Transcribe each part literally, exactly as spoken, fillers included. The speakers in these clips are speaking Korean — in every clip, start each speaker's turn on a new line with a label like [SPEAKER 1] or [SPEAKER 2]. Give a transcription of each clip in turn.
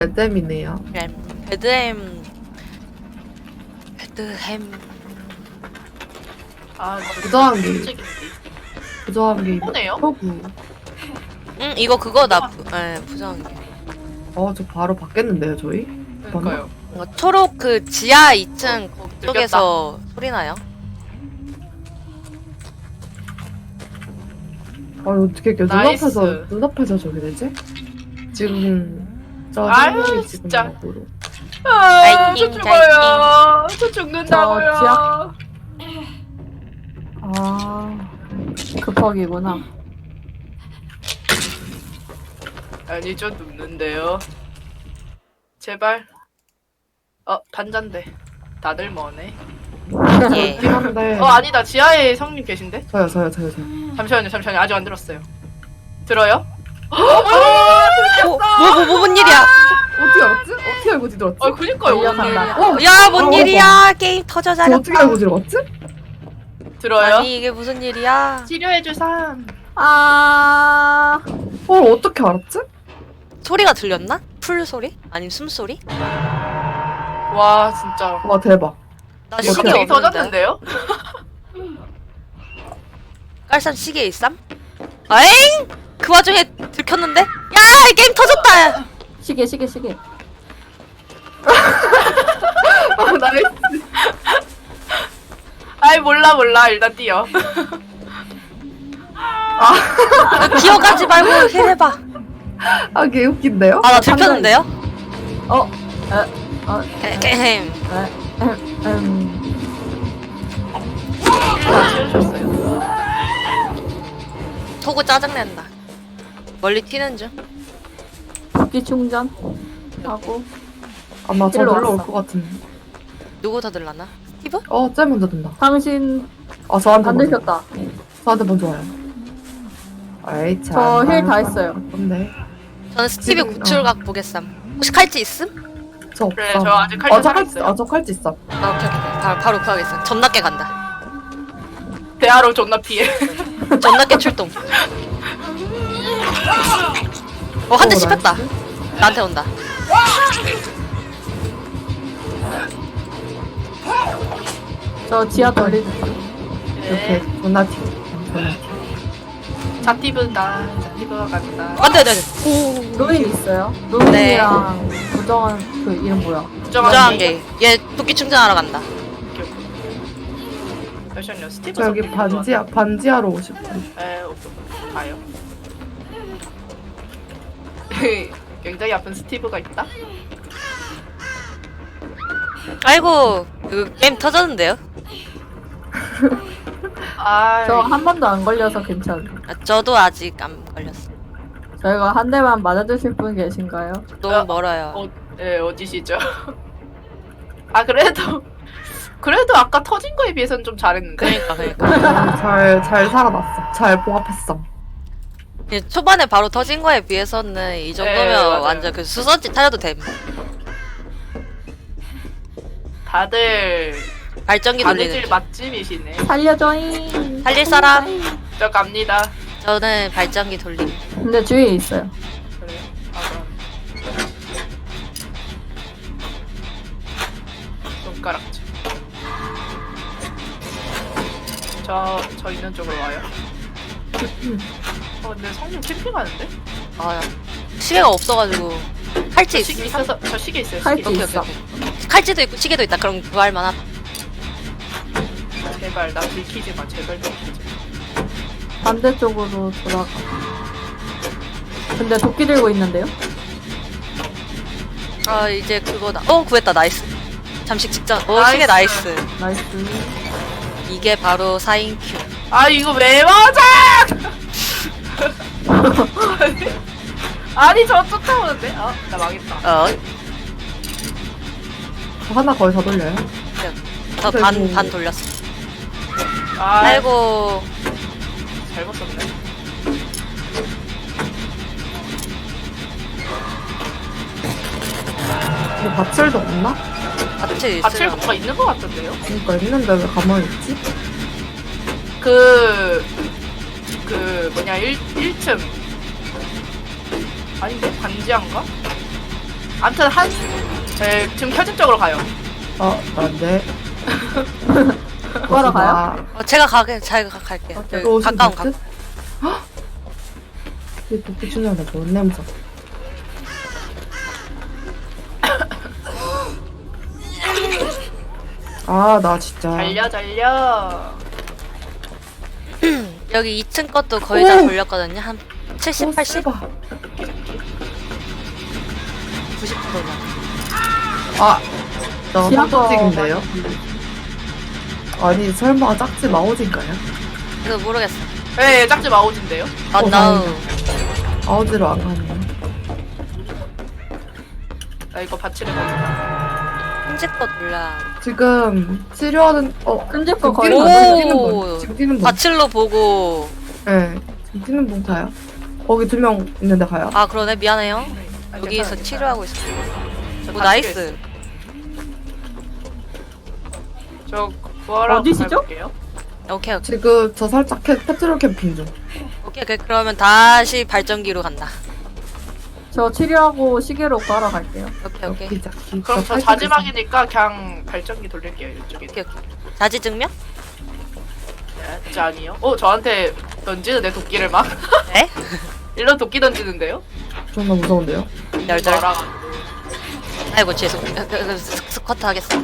[SPEAKER 1] 레뎀이네요.
[SPEAKER 2] 램. 베드햄. 베드햄.
[SPEAKER 3] 아,
[SPEAKER 1] 부정한 게
[SPEAKER 3] 솔직히
[SPEAKER 1] 부정한 게
[SPEAKER 3] 이쁘네요.
[SPEAKER 1] 표구.
[SPEAKER 2] 응, 이거 그거다. 예, 부정한 게.
[SPEAKER 1] 어, 저 바로 바뀌었는데요, 저희?
[SPEAKER 3] 그러니까요.
[SPEAKER 2] 이거 초록 그 지하 이 층
[SPEAKER 3] 어,
[SPEAKER 2] 쪽에서 소리 나요?
[SPEAKER 1] 아, 어떻게 이렇게
[SPEAKER 3] 나이스.
[SPEAKER 1] 눈앞에서 눈앞에서 저기 되지? 지금 저
[SPEAKER 3] 아유,
[SPEAKER 1] 한명이 지금
[SPEAKER 3] 진짜.
[SPEAKER 1] 앞으로.
[SPEAKER 3] 아, 저
[SPEAKER 2] 파이팅,
[SPEAKER 3] 죽어요. 저 죽는다고요.
[SPEAKER 4] 저 아, 급하기구나.
[SPEAKER 3] 아니, 저 눕는데요. 제발. 어, 반잔데. 다들 뭐네.
[SPEAKER 2] 예.
[SPEAKER 1] 있긴 한데.
[SPEAKER 3] 어, 아니다. 지하에 성님 계신데?
[SPEAKER 1] 저요, 저요, 저요, 저요.
[SPEAKER 3] 잠시만요, 잠시만요. 아직 안 들었어요. 들어요?
[SPEAKER 2] 뭐, 뭐, 뭐, 뭐, 뭔 일이야?
[SPEAKER 1] 어떻게 알았지? 어떻게 알고 들어왔지?
[SPEAKER 3] 어, 그니까요.
[SPEAKER 4] 달려간다.
[SPEAKER 3] 오늘
[SPEAKER 1] 어,
[SPEAKER 2] 야, 뭔
[SPEAKER 1] 어,
[SPEAKER 2] 일이야? 게임 터져
[SPEAKER 1] 저 어떻게
[SPEAKER 2] 잘했다.
[SPEAKER 1] 알고 들어왔지?
[SPEAKER 3] 들어요?
[SPEAKER 2] 아니, 이게 무슨 일이야?
[SPEAKER 3] 치료해줄 사람.
[SPEAKER 4] 아,
[SPEAKER 1] 어, 어떻게 알았지?
[SPEAKER 2] 소리가 들렸나? 풀 소리? 아니면 숨소리?
[SPEAKER 3] 와, 진짜.
[SPEAKER 1] 와, 대박.
[SPEAKER 2] 나
[SPEAKER 1] 어떻게
[SPEAKER 2] 시계
[SPEAKER 3] 갑자기
[SPEAKER 2] 없는데.
[SPEAKER 3] 터졌는데요?
[SPEAKER 2] 깔쌈 시계 있삼? 아잉? 그 와중에 들켰는데? 야, 이 게임 터졌다!
[SPEAKER 4] 시계, 시계, 시계.
[SPEAKER 1] 아, 나이스.
[SPEAKER 3] 아이, 몰라, 몰라. 일단 뛰어.
[SPEAKER 2] 기어가지 말고 힐해봐.
[SPEAKER 1] 아, 개 웃긴데요?
[SPEAKER 2] 아, 나 들켰는데요?
[SPEAKER 4] 어, 에, 어,
[SPEAKER 2] 게임.
[SPEAKER 4] 에, 음, 음.
[SPEAKER 3] 다 치워줬어요.
[SPEAKER 2] 토구 짜증낸다. 멀리 튀는 중.
[SPEAKER 4] 도끼 충전 하고.
[SPEAKER 1] 아마 저
[SPEAKER 4] 일로
[SPEAKER 1] 놀러 올
[SPEAKER 4] 왔어.
[SPEAKER 1] 것 같은데.
[SPEAKER 2] 누구 더 들라나? 스티브?
[SPEAKER 1] 어, 쟤 먼저 든다.
[SPEAKER 4] 당신
[SPEAKER 1] 아, 저한테
[SPEAKER 4] 안
[SPEAKER 1] 먼저.
[SPEAKER 4] 들켰다.
[SPEAKER 1] 저한테 먼저 와요. 아이, 참.
[SPEAKER 4] 저 힐 다 했어요.
[SPEAKER 1] 근데
[SPEAKER 2] 저는 스티브
[SPEAKER 1] 지금,
[SPEAKER 2] 구출각 보겠삼. 혹시 칼찌 있음?
[SPEAKER 1] 저 없어.
[SPEAKER 3] 그래, 저 아직 칼
[SPEAKER 1] 어, 저
[SPEAKER 3] 살아
[SPEAKER 1] 칼,
[SPEAKER 3] 있어요.
[SPEAKER 1] 아, 저 칼찌 있어.
[SPEAKER 2] 아, 오케이, 오케이. 바로, 바로 구하겠어. 존나 깨 간다.
[SPEAKER 3] 대하로 존나 피해.
[SPEAKER 2] 존나 깨 출동. 어, 한 대
[SPEAKER 1] 어,
[SPEAKER 2] 씹혔다.
[SPEAKER 1] 나이스.
[SPEAKER 2] 나한테 온다.
[SPEAKER 4] 저 지하 돌리는
[SPEAKER 1] 이렇게
[SPEAKER 3] 네.
[SPEAKER 1] 존나 튀어. 존나 튀어.
[SPEAKER 3] 자티브다. 자티브가 간다.
[SPEAKER 2] 안 돼, 안 돼, 안 돼.
[SPEAKER 4] 루인 있어요? 루인이랑 부정한 그 이름 뭐야?
[SPEAKER 2] 부정한 게. 얘 도끼 충전하러 간다.
[SPEAKER 3] 잠시만요. 스티브
[SPEAKER 1] 저 여기
[SPEAKER 3] 선생님
[SPEAKER 1] 반지하, 반지하로 오실 분.
[SPEAKER 3] 좋아- 에, 오케이. 가요. 굉장히 아픈 스티브가 있다.
[SPEAKER 2] 아이고, 그 게임 터졌는데요?
[SPEAKER 3] 아,
[SPEAKER 4] 저 한 번도 안 걸려서 괜찮아요.
[SPEAKER 2] 아, 저도 아직 안 걸렸어.
[SPEAKER 4] 저희가 한 대만 맞아주실 분 계신가요?
[SPEAKER 2] 너무
[SPEAKER 3] 어,
[SPEAKER 2] 멀어요.
[SPEAKER 3] 어, 예, 어디시죠? 아, 그래도 그래도 아까 터진 거에 비해서는 좀 잘했는데.
[SPEAKER 2] 그러니까, 그러니까.
[SPEAKER 1] 잘, 잘 살아났어. 잘 봉합했어.
[SPEAKER 2] 예, 초반에 바로 터진 거에 비해서는 이 정도면
[SPEAKER 3] 네, 맞아요.
[SPEAKER 2] 완전 그 수선지 타려도 됨.
[SPEAKER 3] 다들
[SPEAKER 2] 발전기 돌리는
[SPEAKER 3] 바느질
[SPEAKER 2] 중.
[SPEAKER 3] 맛집이시네.
[SPEAKER 4] 살려줘잉.
[SPEAKER 2] 살릴 사람?
[SPEAKER 3] 저 갑니다.
[SPEAKER 2] 저는 발전기 돌림.
[SPEAKER 4] 근데 주위에 있어요.
[SPEAKER 3] 그래요? 아, 그럼. 손가락질. 저, 저 있는 쪽으로 와요. 어, 근데 성님 캠핑하는데?
[SPEAKER 2] 아, 시계가 없어가지고. 칼찌
[SPEAKER 3] 저 시계
[SPEAKER 2] 있어?
[SPEAKER 3] 있어서, 저 시계 있어요,
[SPEAKER 4] 칼찌
[SPEAKER 3] 시계.
[SPEAKER 2] 오케이,
[SPEAKER 4] 있어.
[SPEAKER 2] 오케이, 오케이. 칼찌도 있고 시계도 있다. 그럼 구할 만하다.
[SPEAKER 3] 제발, 나 들키지 마, 제발 들키지 마.
[SPEAKER 4] 반대쪽으로 돌아가. 근데 도끼 들고 있는데요?
[SPEAKER 2] 아, 이제 그거다. 어, 구했다. 나이스. 잠시 직전. 어,
[SPEAKER 3] 나이스.
[SPEAKER 2] 시계 나이스.
[SPEAKER 4] 나이스.
[SPEAKER 2] 이게 바로 사인 큐.
[SPEAKER 3] 아, 이거 왜 맞아! 아니, 저 쫓아오는데? 아, 나 망했다.
[SPEAKER 2] 어,
[SPEAKER 1] 저 하나 거의 다 돌려요.
[SPEAKER 2] 저 반, 반 돌렸어.
[SPEAKER 3] 아,
[SPEAKER 2] 아이고.
[SPEAKER 3] 잘못 썼네.
[SPEAKER 1] 근데 밧줄도 없나?
[SPEAKER 2] 같이
[SPEAKER 3] 받칠
[SPEAKER 2] 있으면.
[SPEAKER 3] 뭔가 있는 것 같던데요?
[SPEAKER 1] 그러니까 있는데 왜 가만히 있지?
[SPEAKER 3] 그, 그, 뭐냐, 일, 일 층. 아닌데? 반지한가? 아무튼 한 네, 지금 켜진 쪽으로 가요.
[SPEAKER 1] 어, 안돼.
[SPEAKER 4] 뭐하러 가요?
[SPEAKER 2] 어, 제가 가게 제가 가- 갈게요.
[SPEAKER 1] 어,
[SPEAKER 2] 여기
[SPEAKER 1] 또 오신
[SPEAKER 2] 가까운
[SPEAKER 1] 분?
[SPEAKER 2] 가.
[SPEAKER 1] 헉! 이 도끼 충전다 좋은 냄새. 아, 나 진짜.
[SPEAKER 3] 달려 달려.
[SPEAKER 2] 여기 이 층 것도 거의 다
[SPEAKER 1] 오!
[SPEAKER 2] 돌렸거든요. 한 칠십,
[SPEAKER 1] 오,
[SPEAKER 2] 팔십,
[SPEAKER 1] 씨발.
[SPEAKER 2] 구십 퍼센트.
[SPEAKER 1] 아, 나
[SPEAKER 4] 지나가.
[SPEAKER 1] 황토찍인데요? 아니, 설마 짝지 마오진가요?
[SPEAKER 2] 이거 모르겠어.
[SPEAKER 3] 네, 짝지 마오진데요.
[SPEAKER 2] 아,
[SPEAKER 1] 어,
[SPEAKER 2] 나우.
[SPEAKER 1] 아오지로 안 가네.
[SPEAKER 3] 나 이거 받치는 거구나.
[SPEAKER 2] 현재 거 돌려.
[SPEAKER 1] 지금 치료하는, 어,
[SPEAKER 4] 끈질 거
[SPEAKER 1] 지금
[SPEAKER 4] 거의
[SPEAKER 1] 뛰는
[SPEAKER 2] 오!
[SPEAKER 1] 분, 지금 뛰는 분, 지금 뛰는 분.
[SPEAKER 2] 바칠로 보고.
[SPEAKER 1] 네, 지금 뛰는 분 가요. 거기 두 명 있는데 가요.
[SPEAKER 2] 아, 그러네. 미안해요.
[SPEAKER 3] 아,
[SPEAKER 2] 여기서
[SPEAKER 3] 괜찮아요,
[SPEAKER 2] 치료하고 있어.
[SPEAKER 3] 저
[SPEAKER 2] 오,
[SPEAKER 3] 다
[SPEAKER 2] 나이스.
[SPEAKER 3] 치료했어요. 저 구하러
[SPEAKER 4] 어디시죠?
[SPEAKER 3] 가볼게요.
[SPEAKER 2] 오케이, 오케이.
[SPEAKER 1] 지금 저 살짝 캐, 페트롤 캠핑 중.
[SPEAKER 2] 오케이, 오케이. 그러면 다시 발전기로 간다.
[SPEAKER 4] 저 치료하고 시계로 구하러 갈게요.
[SPEAKER 2] 오케이, 오케이.
[SPEAKER 1] 여기 자기.
[SPEAKER 3] 그럼 저 자지막이니까 그냥 발전기 돌릴게요 이쪽에.
[SPEAKER 2] 오케이, 오케이. 자지 증명?
[SPEAKER 3] 네, 진짜 아니요. 어 저한테 던지는데 도끼를 막
[SPEAKER 2] 네?
[SPEAKER 3] 일로 도끼 던지는데요?
[SPEAKER 1] 존나 무서운데요?
[SPEAKER 2] 널널.
[SPEAKER 3] 저랑
[SPEAKER 2] 아이고, 죄송. 그, 그, 그, 스- 스쿼트 하겠어.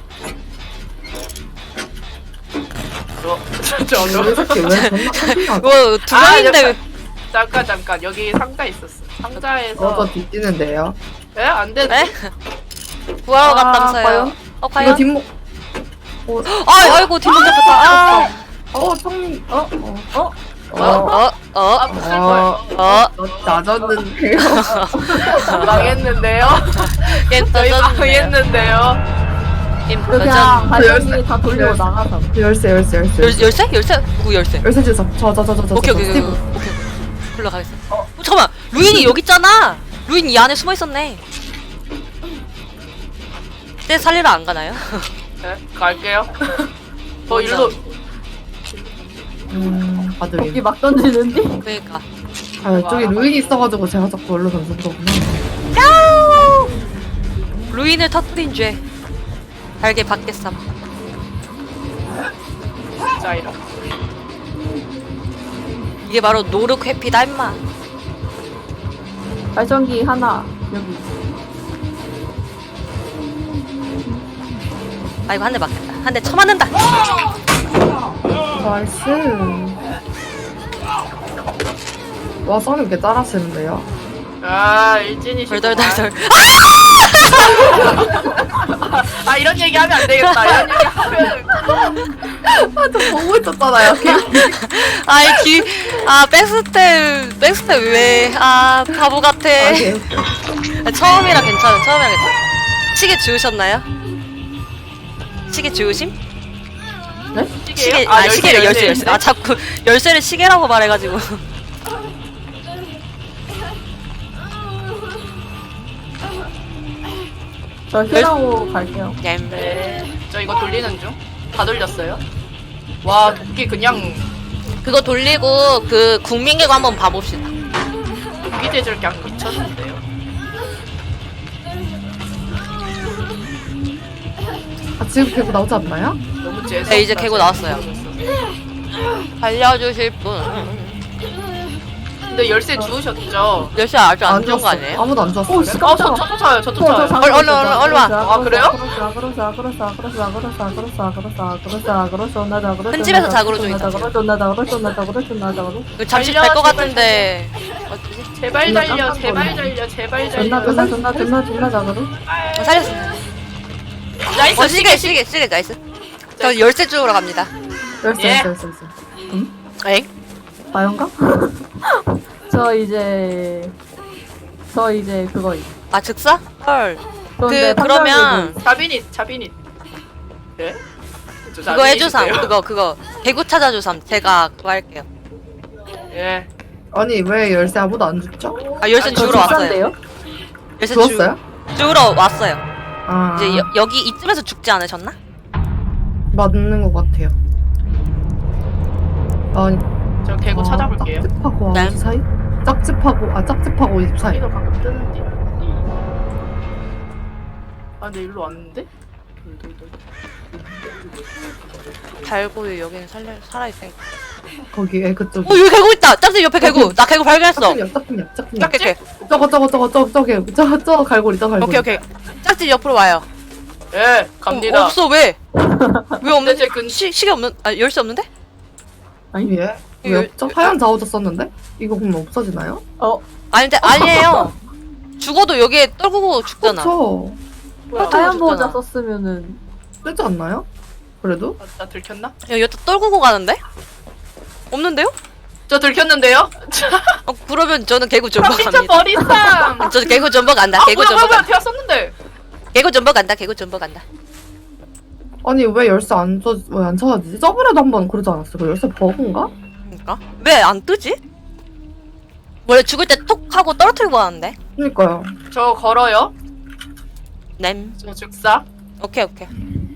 [SPEAKER 3] 저, 저,
[SPEAKER 1] 왜
[SPEAKER 3] 저,
[SPEAKER 1] 이렇게 왜 존나 캠핑하고?
[SPEAKER 2] 이거 두
[SPEAKER 3] 아,
[SPEAKER 2] 명인데.
[SPEAKER 3] 잠깐 잠깐 여기 상자 있었어. 상자에서
[SPEAKER 1] 저도 뒤뛰는데요.
[SPEAKER 3] 예? 안 돼.
[SPEAKER 2] 에? 구하러
[SPEAKER 4] 아,
[SPEAKER 2] 갔다면서요.
[SPEAKER 4] 과연?
[SPEAKER 2] 어,
[SPEAKER 1] 이거
[SPEAKER 2] 과연?
[SPEAKER 1] 뒷목. 어,
[SPEAKER 2] 아, 아이고, 뒷목 잡혔다. 아.
[SPEAKER 1] 어, 청님. 어, 어,
[SPEAKER 4] 어?
[SPEAKER 1] 어.
[SPEAKER 2] 어, 어,
[SPEAKER 3] 아 무슨 거예요?
[SPEAKER 2] 어.
[SPEAKER 1] 낮았는데요.
[SPEAKER 3] 망했는데요?
[SPEAKER 2] 게임
[SPEAKER 3] 저희
[SPEAKER 2] 터졌네요.
[SPEAKER 3] 망했는데요?
[SPEAKER 2] 게임
[SPEAKER 4] 그 그냥
[SPEAKER 2] 터졌.
[SPEAKER 4] 발전기 다 돌리고
[SPEAKER 1] 열쇠.
[SPEAKER 4] 나가서.
[SPEAKER 1] 열쇠, 열쇠, 열쇠.
[SPEAKER 2] 열, 열쇠? 열쇠? 누구 열쇠?
[SPEAKER 1] 열쇠 주소. 저, 저, 저, 저, 저,
[SPEAKER 2] 오케이,
[SPEAKER 1] 저,
[SPEAKER 2] 오케이, 오케이,
[SPEAKER 1] 스티브.
[SPEAKER 2] 오케이, 오케이. 불러 가겠어. 어, 잠깐만. 루인이 여기 있잖아. 루인 이 안에 숨어 있었네. 쟤 살리러 안 가나요?
[SPEAKER 3] 네, 갈게요. 저 일로
[SPEAKER 1] 음,
[SPEAKER 4] 여기
[SPEAKER 1] 바둑이.
[SPEAKER 4] 막 던지는데?
[SPEAKER 2] 그러니까.
[SPEAKER 1] 아, 이쪽에 루인이 있어가지고 제가 자꾸 얼로 던진 거구나.
[SPEAKER 2] 루인을 터뜨린 죄. 달게 받겠삼.
[SPEAKER 3] 자 이러.
[SPEAKER 2] 이게 바로 노력 회피다 임마.
[SPEAKER 4] 발전기 하나 여기.
[SPEAKER 2] 아이고, 한 대 맞겠다. 한 대 쳐맞는다.
[SPEAKER 1] 나이스. 와, 썸이 이렇게 따라쓰는데요?
[SPEAKER 3] 아 일진이시구만.
[SPEAKER 2] 덜덜덜덜.
[SPEAKER 3] 아 이런 얘기 하면 안 되겠다. 이런 얘기 하면
[SPEAKER 1] 아, 저 보고 있었잖아요.
[SPEAKER 2] 아이, 기, 아, 백스텝, 백스텝 왜, 아, 바보 같아.
[SPEAKER 1] 아, 개웃겨.
[SPEAKER 2] 아, 처음이라 괜찮아, 처음이라 괜찮아. 시계 주우셨나요? 시계 주우심?
[SPEAKER 4] 네?
[SPEAKER 2] 시계,
[SPEAKER 3] 시계요?
[SPEAKER 2] 아, 시계를 열쇠, 열쇠.
[SPEAKER 3] 열쇠.
[SPEAKER 2] 아, 자꾸 열쇠를 시계라고 말해가지고.
[SPEAKER 4] 저 힐하고 갈게요.
[SPEAKER 2] 얌.
[SPEAKER 3] 네. 저 이거 돌리는 중. 다 돌렸어요. 와 도끼 그냥
[SPEAKER 2] 그거 돌리고, 그, 국민계고 한번 봐봅시다.
[SPEAKER 3] 도끼 재질 그냥 미쳤는데요.
[SPEAKER 1] 아, 지금 개고 나오지 않나요?
[SPEAKER 3] 너무 재수.
[SPEAKER 2] 네, 이제 개고 나왔어요. 알려주실 분.
[SPEAKER 3] 근데 열쇠 주우셨죠?
[SPEAKER 2] 열쇠 아직 안 준 거
[SPEAKER 1] 줬어.
[SPEAKER 2] 아니에요?
[SPEAKER 1] 아무도 안 줬어.
[SPEAKER 4] 오, 씨,
[SPEAKER 3] 어, 저, 저도 사요. 저도
[SPEAKER 4] 저, 저
[SPEAKER 3] 사요.
[SPEAKER 2] 얼른, 얼른, 얼른, 얼른 와.
[SPEAKER 3] 아, 그래요?
[SPEAKER 2] 큰 집에서 자그로 좀 있다. 이거 잠시
[SPEAKER 3] 달려,
[SPEAKER 2] 갈 것
[SPEAKER 3] 제발,
[SPEAKER 2] 같은데. 어디지?
[SPEAKER 3] 제발 달려, 제발 달려, 제발
[SPEAKER 4] 존나
[SPEAKER 3] 달려.
[SPEAKER 4] 존나 존나 존나 존나 자그로.
[SPEAKER 2] 어, 살렸어.
[SPEAKER 3] 나이스,
[SPEAKER 2] 어, 시계, 시계, 시계, 나이스. 저 열쇠 주우러 갑니다.
[SPEAKER 1] 열쇠,
[SPEAKER 3] 예.
[SPEAKER 1] 열쇠, 열쇠, 열쇠.
[SPEAKER 2] 에잉?
[SPEAKER 4] 과연가? 저 이제 저 이제 그거 있-
[SPEAKER 2] 아, 즉사? 헐.
[SPEAKER 4] 그런데
[SPEAKER 2] 그, 그러면,
[SPEAKER 3] 자비닛, 자비닛. 예? 저
[SPEAKER 2] 그거 해주삼.
[SPEAKER 3] 자비닛인데요.
[SPEAKER 2] 그거, 그거. 개구 찾아주삼. 제가 그거 할게요.
[SPEAKER 3] 예.
[SPEAKER 1] 아니, 왜 열쇠 아무도 안 줬죠?
[SPEAKER 2] 아, 열쇠
[SPEAKER 4] 저
[SPEAKER 2] 주우러 왔어요.
[SPEAKER 4] 직사인데요?
[SPEAKER 2] 열쇠
[SPEAKER 1] 주웠어요?
[SPEAKER 2] 주, 주우러 왔어요.
[SPEAKER 1] 아,
[SPEAKER 2] 이제 여, 여기 이쯤에서 죽지 않으셨나?
[SPEAKER 1] 맞는 것 같아요. 아니,
[SPEAKER 3] 저 개구
[SPEAKER 1] 아,
[SPEAKER 3] 찾아볼게요.
[SPEAKER 1] 짝집하고
[SPEAKER 2] 네.
[SPEAKER 1] 아오지 사이? 짝집하고, 아, 짝집하고 오십 사이.
[SPEAKER 3] 여기도 가끔 뜨는데. 근데 일로 왔는데? 돌돌돌.
[SPEAKER 2] 달고유 여기는 살려 살아있으니까.
[SPEAKER 1] 거기에 그쪽.
[SPEAKER 2] 어 여기 개구 있다. 짝지 옆에 개구. 나 개구 발견했어.
[SPEAKER 1] 짝퉁이야, 짝퉁이야, 짝퉁이야.
[SPEAKER 2] 오케이 오케이
[SPEAKER 1] 저거, 저거, 저거, 저거, 저기, 저, 저 갈고리, 저 갈고리.
[SPEAKER 2] 오케이 오케이. 짝지 옆으로 와요.
[SPEAKER 3] 예, 갑니다.
[SPEAKER 2] 어, 없어 왜? 왜 없는데?
[SPEAKER 3] 제 근-
[SPEAKER 2] 시 시계 없는? 아 열쇠 없는데?
[SPEAKER 1] 아니, 예?
[SPEAKER 2] 이거-
[SPEAKER 1] 왜 없죠? 하얀 자오저 썼는데? 이거 그럼 없어지나요?
[SPEAKER 4] 어,
[SPEAKER 2] 아닌데 아니에요. 죽어도 여기에 떨구고 죽잖아.
[SPEAKER 1] 그렇죠.
[SPEAKER 3] 뭐야?
[SPEAKER 2] 또
[SPEAKER 4] 하얀
[SPEAKER 2] 죽잖아.
[SPEAKER 4] 보호자 썼으면은
[SPEAKER 1] 쓰지 않나요? 그래도?
[SPEAKER 3] 아, 나 들켰나?
[SPEAKER 2] 야 여기다 떨구고 가는데? 없는데요?
[SPEAKER 3] 저 들켰는데요?
[SPEAKER 2] 어 그러면 저는 개구 전버
[SPEAKER 3] 미쳐
[SPEAKER 2] 갑니다.
[SPEAKER 3] 버리쌈.
[SPEAKER 2] 저는 개구 전버 간다.
[SPEAKER 3] 아
[SPEAKER 2] 개구
[SPEAKER 3] 뭐야
[SPEAKER 2] 전버
[SPEAKER 3] 뭐야 뭐야
[SPEAKER 2] 간다.
[SPEAKER 3] 되었었는데.
[SPEAKER 2] 개구 전버 간다. 개구 전버 간다.
[SPEAKER 1] 아니, 왜 열쇠 안 쳐, 왜 안 찾아지지? 저번에도 한 번 그러지 않았어요? 그 열쇠 버그인가?
[SPEAKER 2] 그러니까 왜 안 뜨지? 원래 죽을 때 톡 하고 떨어뜨리고 하는데.
[SPEAKER 1] 그니까요.
[SPEAKER 3] 저 걸어요.
[SPEAKER 2] 냄.
[SPEAKER 3] 저 즉사.
[SPEAKER 2] 오케이 오케이.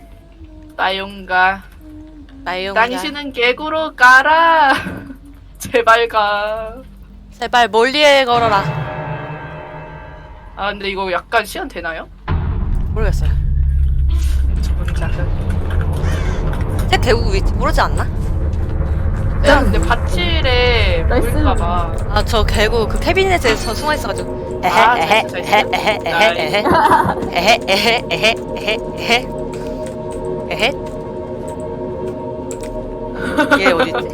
[SPEAKER 3] 나용가.
[SPEAKER 2] 나용.
[SPEAKER 3] 당신은 개구로 가라. 제발 가.
[SPEAKER 2] 제발 멀리에 걸어라.
[SPEAKER 3] 아 근데 이거 약간 시간 되나요?
[SPEAKER 2] 모르겠어요.
[SPEAKER 3] 저 혼자는.
[SPEAKER 2] 제 개구 위치 모르지 않나?
[SPEAKER 3] 네, 근데 밭일에
[SPEAKER 4] 나이스.
[SPEAKER 3] 보일까봐.
[SPEAKER 2] 아 저 개구 그 캐비넷에 서 숨어 있어가지고. 에헤
[SPEAKER 3] 아,
[SPEAKER 2] 에헤
[SPEAKER 3] 잘
[SPEAKER 2] 에헤
[SPEAKER 3] 있어,
[SPEAKER 2] 에헤
[SPEAKER 3] 잘
[SPEAKER 2] 에헤 에헤 에헤 에헤 에헤 에헤 에헤 얘 어딨지?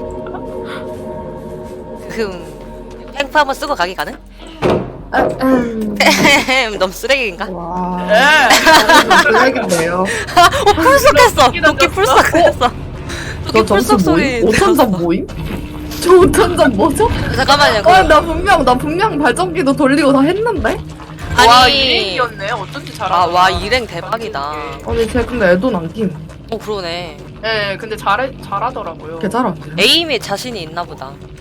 [SPEAKER 2] 흠 팽프 한번 쓰고 가기 가능?
[SPEAKER 1] 아, 음.
[SPEAKER 2] 너무 쓰레기인가?
[SPEAKER 1] 와.
[SPEAKER 3] 예.
[SPEAKER 1] 블랙인데요.
[SPEAKER 2] 어 풀썩했어. 도끼 풀썩했어. 도끼
[SPEAKER 1] 저 점수
[SPEAKER 2] 풀썩 소리.
[SPEAKER 1] 모임? 오천 점 모임? 저 오천 점 뭐죠?
[SPEAKER 2] 잠깐만요.
[SPEAKER 1] 아,
[SPEAKER 2] 그거.
[SPEAKER 1] 나 분명, 나 분명 발전기도 돌리고 다 했는데?
[SPEAKER 3] 와
[SPEAKER 2] 아니.
[SPEAKER 3] 일행이었네. 어쩐지 잘하다.
[SPEAKER 2] 아와 일행 대박이다.
[SPEAKER 1] 아니, 쟤 근데 애도 남김.
[SPEAKER 2] 어 그러네.
[SPEAKER 3] 네, 근데 잘해 잘하더라고요.
[SPEAKER 1] 개 잘하네.
[SPEAKER 2] 에임에 자신이 있나 보다.